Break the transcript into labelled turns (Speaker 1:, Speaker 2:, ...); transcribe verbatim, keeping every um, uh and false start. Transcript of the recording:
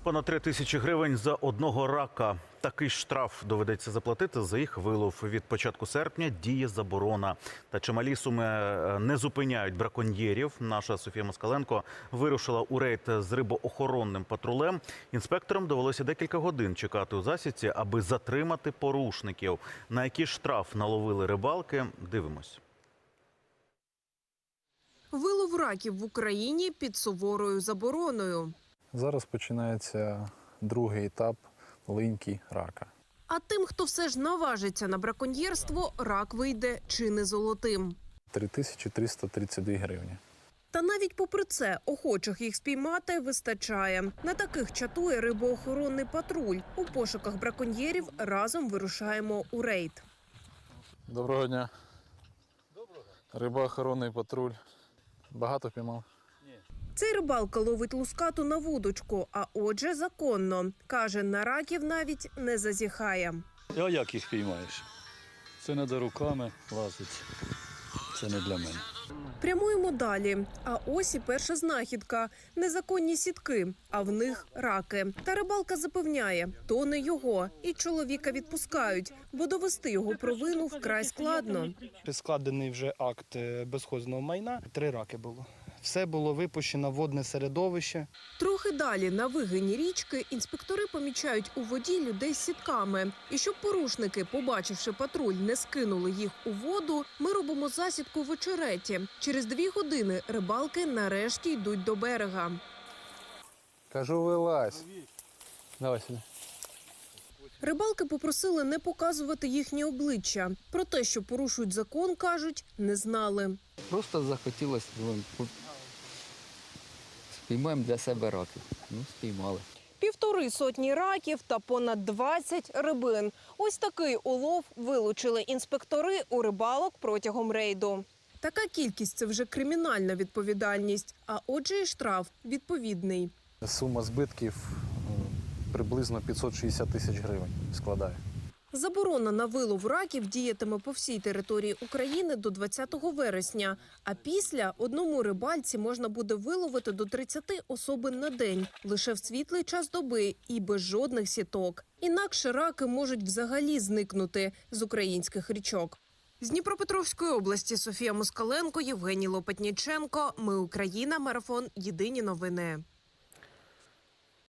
Speaker 1: Понад три тисячі гривень за одного рака. Такий штраф доведеться заплатити за їх вилов. Від початку серпня діє заборона. Та чималі суми не зупиняють браконьєрів. Наша Софія Москаленко вирушила у рейд з рибоохоронним патрулем. Інспекторам довелося декілька годин чекати у засідці, аби затримати порушників. На який штраф наловили рибалки – дивимось.
Speaker 2: Вилов раків в Україні під суворою забороною.
Speaker 3: Зараз починається другий етап линьки рака.
Speaker 2: А тим, хто все ж наважиться на браконьєрство, рак вийде чи не золотим.
Speaker 3: три тисячі триста тридцять дві гривні.
Speaker 2: Та навіть попри це, охочих їх спіймати вистачає. На таких чатує рибоохоронний патруль. У пошуках браконьєрів разом вирушаємо у рейд.
Speaker 3: Доброго дня. Доброго. Рибоохоронний патруль. Багато піймав?
Speaker 2: Цей рибалка ловить лускату на вудочку, а отже законно. Каже, на раків навіть не зазіхає.
Speaker 4: А як їх піймаєш? Це не до руками лазить. Це не для мене.
Speaker 2: Прямуємо далі. А ось і перша знахідка. Незаконні сітки, а в них раки. Та рибалка запевняє, то не його. І чоловіка відпускають, бо довести його провину вкрай складно.
Speaker 5: Складений вже акт безхозного майна. Три раки було. Все було випущено в водне середовище.
Speaker 2: Трохи далі, на вигині річки, інспектори помічають у воді людей з сітками. І щоб порушники, побачивши патруль, не скинули їх у воду, ми робимо засідку в очереті. Через дві години рибалки нарешті йдуть до берега.
Speaker 3: Кажу, вилазь. Давай сюди.
Speaker 2: Рибалки попросили не показувати їхні обличчя. Про те, що порушують закон, кажуть, не знали.
Speaker 6: Просто захотілося, думаю, спіймаємо для себе раків. Ну, спіймали.
Speaker 2: Півтори сотні раків та понад двадцять рибин. Ось такий улов вилучили інспектори у рибалок протягом рейду. Така кількість – це вже кримінальна відповідальність, а отже і штраф відповідний.
Speaker 3: Сума збитків приблизно п'ятсот шістдесят тисяч гривень складає.
Speaker 2: Заборона на вилов раків діятиме по всій території України до двадцятого вересня. А після одному рибальці можна буде виловити до тридцяти особин на день. Лише в світлий час доби і без жодних сіток. Інакше раки можуть взагалі зникнути з українських річок. З Дніпропетровської області Софія Москаленко, Євгеній Лопатніченко. Ми Україна. Марафон. Єдині новини.